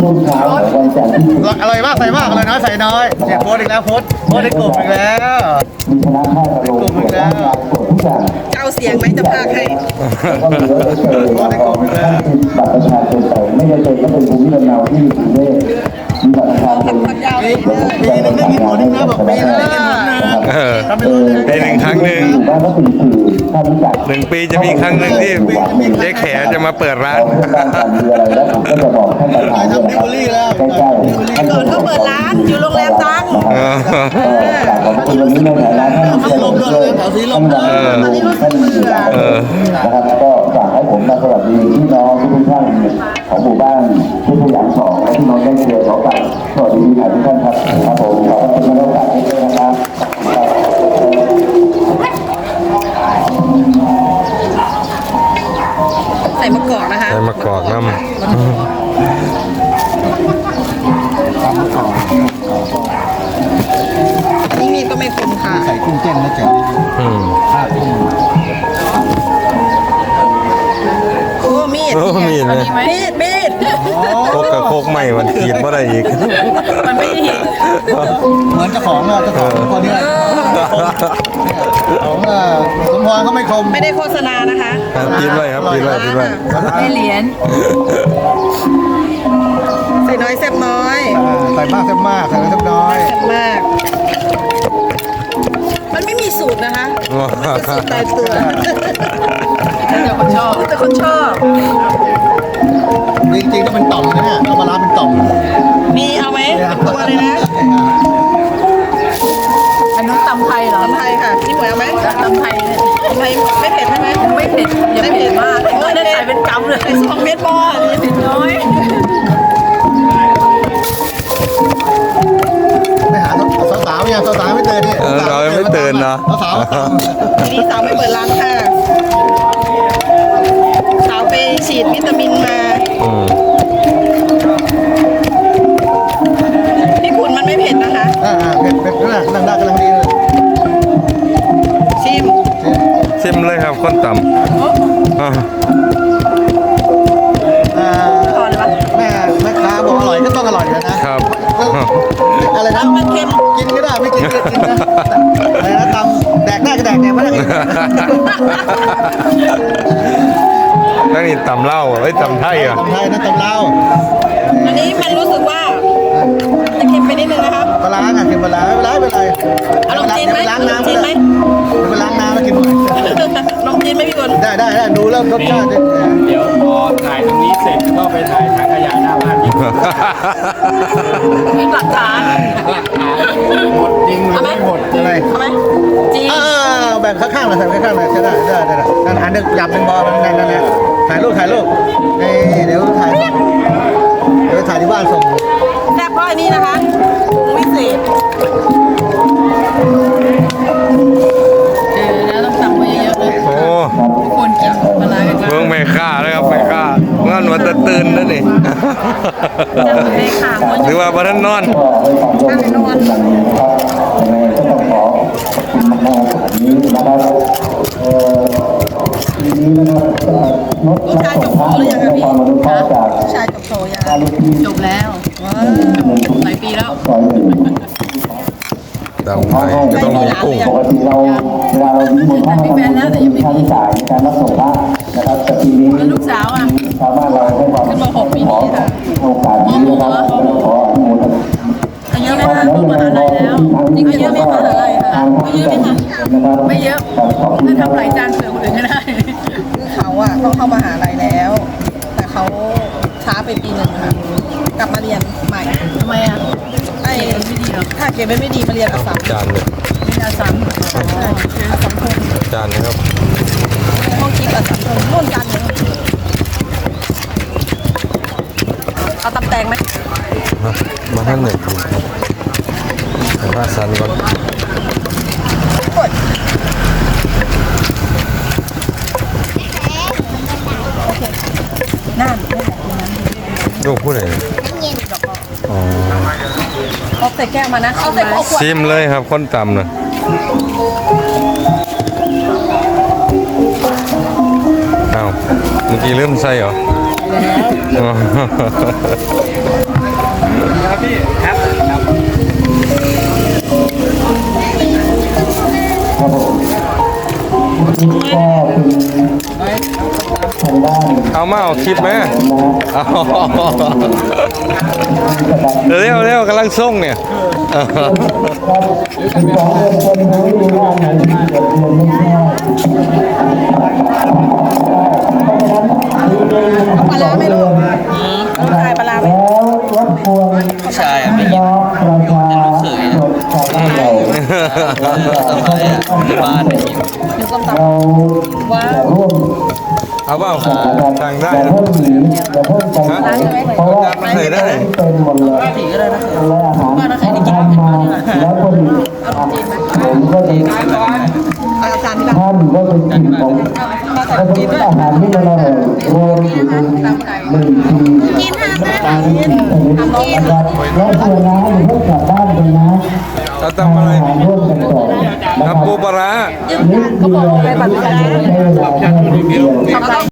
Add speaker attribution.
Speaker 1: ช่วงเช้าของวันจันทร์ที่
Speaker 2: อร่อยมากใส่มากอร่อยน้อยใส่น้อยเนี่ยโพสอีกแล้วโพสในกลุ่มอีกแล้ว
Speaker 1: มีคณะแพทย์มาลงตรวจร่างกายตรวจทุกอย่าง
Speaker 3: เจ้าเสียงไหมจะพากให้
Speaker 1: ก็มีรถเอ็กซเรย์ของท่านที่บัตรประชาชนไปไม่จำเป็นก็เป็นภูมิลำเนาที่มีกรุงเทพมีบัตรประชาชน
Speaker 3: คนยาวเลย
Speaker 2: ปีนึงได้กินหมดนึงนะบอกปีนึงได้กินหมดนึง
Speaker 4: ปีหนึ่งครั้งหนึ่ง
Speaker 1: บ้านก็เป็นสื่อถ้ารู้จัก
Speaker 4: 1 ปีจะมีครั้งหนึ่งที่เจ๊แขจะมาเปิดร้าน
Speaker 1: การมีอะไรแล้วผมก็จะบอกท่านประธานด้วยนะครับใกล้ๆ
Speaker 3: เกิดก็เปิดร้านอยู่โรงแรมตัง
Speaker 1: ขอบคุณวันนี้ในฐานะท่านผู้ช่วยท่านผู้นะครับก็ฝากให้ผมมาสวัสดีพี่น้องทุกท่านของหมู่บ้านที่พยางสองและพี่น้องใกล้เคียงขอกลับสวัสดีทุกท่านครับครับผมขอบคุณมาโอกาสนี้ด้วยนะครับ
Speaker 3: ใส่มะกอกนะคะ
Speaker 4: ใส่มะกอกน้
Speaker 3: อันนี้มีดก็ไม่คมค่ะ
Speaker 2: ใส่กุ้งเต้นนะจ๊ะ
Speaker 4: ำ
Speaker 3: โอ้มีด
Speaker 4: โอ้มีดเลย
Speaker 3: มีด
Speaker 4: โคกกับโคกใหม่มันขีดบ่ได้อีก
Speaker 3: มันไม่เห็น
Speaker 2: เหมือนเจ้าของอะเจ้าของคนนี้ของสมพรก็ไม่คม
Speaker 3: ไม่ได้โฆษณานะคะ
Speaker 4: กินไว้ครับกินไว้กินไว้
Speaker 3: ได้เหรียญใส่น้อยแซ่บน้อย
Speaker 2: ใส่มากใส่มากใส่น้อย
Speaker 3: แซ่บมาก มันไม่มีสูตรนะคะสูตรตายตัวแต่คนชอบแต่คนชอบ
Speaker 2: จริงๆก็เป็นต่อมนะเนี่ยเอามาล้างเป็นต่อม
Speaker 3: มีเอาไหมเป็นตัวเลยนะ
Speaker 5: อันนู้นตำไทยเหรอ
Speaker 3: ตำไทยค่ะพี่หมวยเอาไหม
Speaker 5: ตำไทยเนี่ย
Speaker 3: ตำไทยไม่เผ็ดใช่ไหม
Speaker 5: ไม่เผ็ดอย่าเผ็ดมากไม่ได้ใส่เป็นกำเลย
Speaker 3: ใส่2 เม็ดพอ
Speaker 5: เผ็ดน้อย
Speaker 2: ไม่หาสาวๆยังสาวๆไม่ตื่นนี่
Speaker 4: เรายังไม่ตื่นเนาะ
Speaker 2: สาว
Speaker 3: ทีนี้สาวไม่เปิดร้านค่ะสาวไปฉีดวิตามินมา
Speaker 4: อืม
Speaker 3: พี่ขุนมันไม่เผ็ดนะคะ
Speaker 2: เผ็ดนั่งได้กำลังดีเลย
Speaker 3: ชิม
Speaker 4: ชิมเลยครับคนต่ำอ่า
Speaker 3: ก่อนเลยปะ
Speaker 2: แม่ค้าบอกอร่อยก็ต้องอร่อยนะครับ อะไรนะ
Speaker 3: มันเค็ม
Speaker 2: กินก็ได้ไม่กินก็กินนะอะไรนะตำแดกได้ก็แดกไม่ได้ก็
Speaker 4: นั่นนี่ต่ำเหล้าไอ้ยต่ำไทยอ่ะ
Speaker 2: ตำไทยนะตำลาว
Speaker 3: อันนี้มันรู้สึกว่าจะเค็มไปนิดนึงนะครับ
Speaker 2: ปลาล้างอ่ะกินปลาล้างไม่เป็นไร
Speaker 3: เอาลองจีนไหม
Speaker 2: ล้าง
Speaker 3: ลอง
Speaker 2: น้ำ
Speaker 3: จีนไหม
Speaker 2: ไปล้างน้ำแล้วกินหน่อย
Speaker 3: ลองจีนไหมพี่ขุน
Speaker 2: ได้ดูแล้วรสชาติ
Speaker 6: เดี๋ยวพอถ่ายตรงนี้เสร็จก็ไปถ่ายถังขยะหน้าบ้านอีก
Speaker 5: หลักฐาน
Speaker 6: หมดจริงหรือไม่หมด
Speaker 2: อะไร
Speaker 3: เอาไหมจีน
Speaker 2: แบ่งข้างๆเลยใส่ข้างๆเลยจะได้นั่นอันนึงหยับเป็นบอลนั่นถ่ายรูปเดี๋ยวถ่ายที่บ้านส่ง
Speaker 3: แซ่บเพราะอันนี้นะคะปรุงวิเศษ
Speaker 5: แล้วต้องสั่งไว้เยอะๆเลย
Speaker 4: โอ้
Speaker 5: ทุกคนกินปลาร้ากัน
Speaker 4: เมืองแม่ค่าเลยครับแม่ค่าเมื่อวันจะตื่นนั่นนี่
Speaker 5: จะเหมือนในข่าวมัน
Speaker 4: หรือว่าบ้านนอน
Speaker 1: ก็ให้ความร่วมมือเป็นอย่างนี้นะครับยังไงก็ต้องขอขอบคุณมากๆวันนี้นะครับทีนี้นะครับนก
Speaker 3: ลูกชายจบโทหรือยังคะพี่
Speaker 1: ความอนุเคราะห์จาก
Speaker 3: ลูกชายจบโทยัง
Speaker 1: การลูกที่
Speaker 5: จบแล้วหลายปีแล้ว
Speaker 1: ซอยหนึ่ง
Speaker 4: ต่ำไทยก็ต้องมีกุ้ง
Speaker 1: ปกติเราเวลาเรามีมูลค่ามาทำบุญก็จะมีค่าใช้จ่ายในการรับส่งพระนะครับแต่ปีนี้
Speaker 5: แล้วลูกสาวอ่ะ
Speaker 1: ชาวบ้านเราให้ความ
Speaker 5: ขึ้นมา6 ปีนี้ค่ะ
Speaker 1: โอกาสนี้นะครับขออนุโมทนา
Speaker 5: อายุไหมคะลูกมหาลัยแล้วจริงๆเยอะไหมคะไม่เยอะไหมคะไม่เยอะถ้าทำหลายจานเผื่อคนอื่นก็ได้
Speaker 3: คือเขาอะต้องเข้ามหาลัยแล้ว แต่เขาช้าไปปีหนึ่งค่ะ กลับมาเรียนใหม่
Speaker 5: ทำไมอ่ะ
Speaker 3: ไอ้
Speaker 5: ไม่ดีหรอก
Speaker 3: ถ้าเกรดไม่ดีมาเรียนอัสสัม
Speaker 4: จานเลย
Speaker 5: ไม่น่าซ้ำ
Speaker 3: อัสสัมพง
Speaker 4: จานนะครับ
Speaker 3: ห้องคิดอัสสัมพงร่วมกันเลยเอาตำแตงไหม
Speaker 4: มาท่านหนึ่งกินครับแต่ว่าสันก่อน
Speaker 3: กดนั่น
Speaker 4: ลูกผู้ใดอ๋อ
Speaker 3: เอาใส่แก้วมานะเอาใส่ขวด
Speaker 4: ชิมเลยครับคนต่ำนะอ้าวเมื่อกี้เริ่มใส่เหรอ
Speaker 3: แล้ว
Speaker 4: อ๋อ
Speaker 6: ครับพี่ครับ
Speaker 1: ครับผมก็เป็นทางด้าน
Speaker 4: เอามาเอาคลิปไหม
Speaker 1: นะฮะ
Speaker 4: เอาเร็วกำลังส่งเนี่ย
Speaker 1: ครับ12 เดือนคนรู้ว่าไหนที่เกิดเดือนไม่ใช่
Speaker 3: ปลาร้าไหม่ลูกขายปลาร้าไหม
Speaker 1: แล้วรบกวนพี่น้องประชาชนชาวบ้านเรา
Speaker 5: บ้าน
Speaker 1: เราจะร่วม
Speaker 4: เอาเปล่าสั่งได้
Speaker 1: อย่า
Speaker 4: นะ
Speaker 1: เพิ่งหนีอย่าเพิ่งไปไหนเพราะว่า
Speaker 4: ใส่ได้
Speaker 1: เป็นหมดเลยและอาหารที่ทำมาแล้วก็ดีผมก็จะ
Speaker 3: เอาจานที่เรา
Speaker 1: ท่านก็จะกินของก็เป็นอาหารที่มันอร่อยรวมอยู่ในหนึ่งทีตามที่ชนิดนะครับแล้วเพื่อนนะอย่าเพิ่งกลับบ้านไปนะ
Speaker 4: เราทำอะไร
Speaker 1: อาหารร่วมกันก่อนนะค
Speaker 4: ทำ
Speaker 1: รับ
Speaker 4: ปูปลาร้า
Speaker 1: นิดเดียวไม่ใช่เวลาแค่นิดเดียว